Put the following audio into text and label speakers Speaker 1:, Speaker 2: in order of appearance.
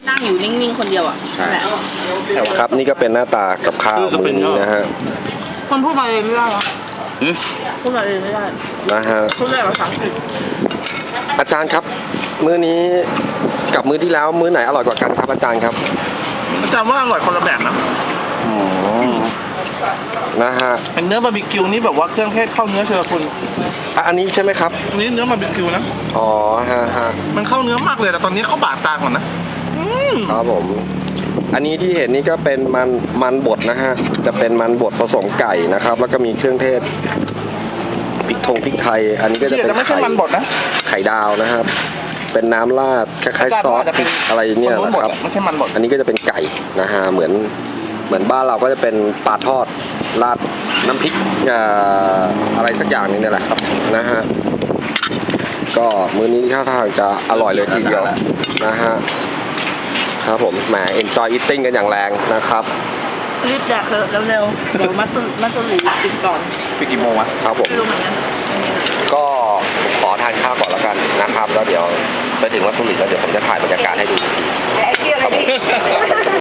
Speaker 1: นั่งอยู่นิ่งๆคนเดียวอ่ะ
Speaker 2: ใช่
Speaker 1: แหละ
Speaker 2: ครับนี่ก็เป็นหน้าตากับข้าวมื้อนี้นะฮะ
Speaker 1: คนพูดมาเองไม่ได้หรอ
Speaker 2: อืม
Speaker 1: พูดมาเองไม่ได้
Speaker 2: นะฮะ
Speaker 1: พูดได้ภาษาอังกฤษ
Speaker 2: อาจารย์ครับ มื้อนี้กับมื้อที่แล้วมื้อไหนอร่อยกว่ากันครับอาจารย์ครับ
Speaker 3: อาจารย์ว่าอร่อยคนละแบบนะ
Speaker 2: อืมนะฮะ
Speaker 3: เป็นเนื้อบาร์บีคิวนี่แบบว่าเครื่องเทศเข้าเนื้อเชียวคุณ
Speaker 2: อันนี้ใช่ไหมครับ
Speaker 3: อันนี้เนื้อบาร์บีคิวนะ
Speaker 2: อ๋อฮะฮะ
Speaker 3: มันเข้าเนื้อมากเลยแต่ตอนนี้เข้าบาดตาก่อนนะ
Speaker 2: ครับผม อันนี้ที่เห็นนี่ก็เป็นมันบดนะฮะ จะเป็นมันบดผสมไก่นะครับ แล้วก็มีเครื่องเทศพริกไทย อันนี้ก็จะเป็น
Speaker 3: ไม่ใช่มันบดนะ
Speaker 2: ไข่ดาวนะครับ เป็นน้ำราดคล้ายๆซอสพริกอะไรเนี่ยนะครับ
Speaker 3: ไม่ใช่มันบด
Speaker 2: อันนี้ก็จะเป็นไก่นะฮะเหมือนบ้านเราก็จะเป็นปลาทอดราดน้ำพริกอะไรสักอย่างนึงเนี่ยแหละครับนะฮะก็มื้อนี้ท่าทางจะอร่อยเลยทีเดียวนะฮะครับผมแหม enjoy eating กันอย่างแรงนะครับ
Speaker 1: รีบแดกเถอะเร็วๆเดี๋ยวมัสลีกินก่อน
Speaker 3: ไปกี่โมงวะ
Speaker 2: ครับผม
Speaker 1: ไม่รู้เหมือนกัน
Speaker 2: ก็ขอทานข้าวก่อนแล้วกันนะครับ แล้วเดี๋ยวไปถึงวัดสุรินทร์แล้วเดี๋ยวผมจะถ่ายบรรยากาศให้ดู
Speaker 1: ไอ้เกี่ยวอะไรดิ